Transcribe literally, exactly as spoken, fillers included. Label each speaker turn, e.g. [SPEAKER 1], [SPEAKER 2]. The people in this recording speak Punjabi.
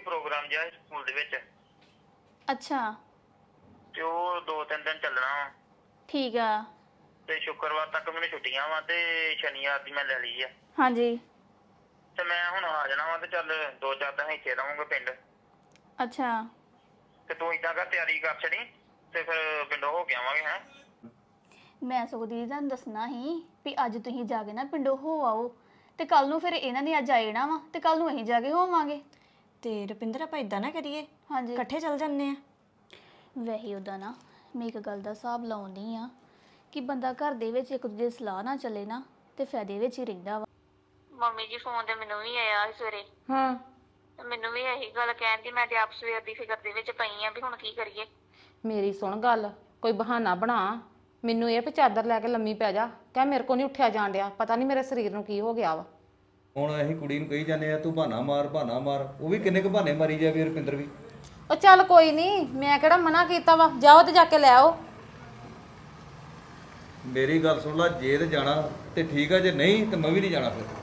[SPEAKER 1] ਪ੍ਰੋਗਰਾਮ ਜਿਹਾ ਸਕੂਲ ਦੇ ਵਿੱਚ
[SPEAKER 2] ਅੱਛਾ
[SPEAKER 1] ਤੇ ਉਹ ਦੋ ਤਿੰਨ ਦਿਨ ਚੱਲਣਾ ਵਾ
[SPEAKER 2] ਠੀਕ ਆ
[SPEAKER 1] ਤੇ ਸ਼ੁੱਕਰਵਾਰ ਤੱਕ ਮੈਨੂੰ ਛੁੱਟੀਆਂ ਵਾ ਤੇ ਸ਼ਨੀਵਾਰ ਦੀ ਮੈਂ ਲੈ ਲਈ ਆ
[SPEAKER 2] ਹਾਂਜੀ
[SPEAKER 1] ਤੇ ਮੈਂ ਹੁਣ ਆ ਜਾਣਾ ਵਾ ਤੇ ਚੱਲ ਦੋ ਚਾਰ ਦਿਨ ਇੱਥੇ ਰਹਾਂਗਾ ਪਿੰਡ
[SPEAKER 2] ਅੱਛਾ
[SPEAKER 1] ਤੇ ਤੂੰ ਏਦਾਂ ਕਰ ਤਿਆਰੀ ਕਰ ਛੜੀ ਤੇ ਫਿਰ ਪਿੰਡੋਂ ਹੋ ਕੇ ਆਵਾਂਗੇ ਹੈਂ
[SPEAKER 2] ਮੈਂ ਸਗੋਂ ਦੀਦੀ ਤੁਹਾਨੂੰ ਦੱਸਣਾ ਸੀ ਵੀ ਅੱਜ ਤੁਸੀਂ ਜਾ ਕੇ ਨਾ ਪਿੰਡੋਂ ਹੋ ਆਓ ਤੇ ਕੱਲ ਨੂੰ ਫਿਰ ਇਹਨਾਂ ਨੇ ਅੱਜ ਆ ਜਾਣਾ ਵਾ ਤੇ ਕੱਲ ਨੂੰ ਅਸੀਂ ਜਾ ਕੇ ਹੋਵਾਂਗੇ
[SPEAKER 3] ਤੇ ਰੁਪਿੰਦਰ ਆਪਾਂ ਇਦਾਂ ਨਾ ਕਰੀਏ
[SPEAKER 2] ਹਾਂਜੀ
[SPEAKER 3] ਇਕੱਠੇ ਚੱਲ ਜੰਨੇ ਆ
[SPEAKER 2] ਵੈਸੇ ਉਹਦਾ ਨਾ ਮੈਂ ਇੱਕ ਗੱਲ ਦਾ ਹਿਸਾਬ ਲਾਉਂਦੀ ਆ ਕਿ ਬੰਦਾ ਘਰ ਦੇ ਵਿੱਚ ਇੱਕ ਦੂਜੇ ਸਲਾਹ ਨਾ ਚੱਲੇ ਨਾ ਤੇ ਫਾਇਦੇ ਵਿੱਚ ਹੀ ਰਹਿੰਦਾ ਵਾ
[SPEAKER 4] ਮੰਮੀ ਜੀ ਫੋਨ ਤੇ ਮੈਨੂੰ ਵੀ ਆਇਆ ਸੀ ਸਵੇਰੇ
[SPEAKER 3] ਹਾਂ
[SPEAKER 4] ਤੇ ਮੈਨੂੰ ਵੀ ਇਹੀ ਗੱਲ ਕਹਿੰਦੀ ਮੈਂ ਤੇ ਆਪ ਸਵੇਰ ਦੀ ਫਿਕਰ ਦੇ ਵਿੱਚ ਪਈ ਆ ਵੀ ਹੁਣ ਕੀ ਕਰੀਏ
[SPEAKER 5] ਮੇਰੀ ਸੁਣ ਗੱਲ ਕੋਈ ਬਹਾਨਾ ਬਣਾ ਮੈਨੂੰ ਇਹ ਵੀ ਚਾਦਰ ਲੈ ਕੇ ਲੰਮੀ ਪੈ ਜਾ ਕਹਿ ਮੇਰੇ ਕੋ ਨਹੀਂ ਉੱਠਿਆ ਜਾਣ ਡਿਆ ਪਤਾ ਨਹੀਂ ਮੇਰੇ ਸਰੀਰ ਨੂੰ ਕੀ ਹੋ ਗਿਆ ਵਾ
[SPEAKER 6] ਹੁਣ ਅਸੀਂ ਕੁੜੀ ਨੂੰ ਕਹੀ ਜਾਂਦੇ ਆ ਤੂੰ ਬਹਾਨਾ ਮਾਰ ਬਹਾਨਾ ਮਾਰ ਉਹ ਵੀ ਕਿੰਨੇ ਕੁ ਬਹਾਨੇ ਮਾਰੀ ਜਾਵੇ ਰੁਪਿੰਦਰ ਵੀ
[SPEAKER 5] ਉਹ ਚੱਲ ਕੋਈ ਨਹੀਂ ਮੈਂ ਕਿਹੜਾ ਮਨਾ ਕੀਤਾ ਵਾ ਜਾਓ ਤੇ ਜਾ ਕੇ ਲੈ ਆਓ
[SPEAKER 6] ਮੇਰੀ ਗੱਲ ਸੁਣ ਲੈ ਜੇ ਤੇ ਜਾਣਾ ਤੇ ਠੀਕ ਆ ਜੇ ਨਹੀਂ ਤੇ ਮੈਂ ਵੀ ਨਹੀਂ ਜਾਣਾ ਫਿਰ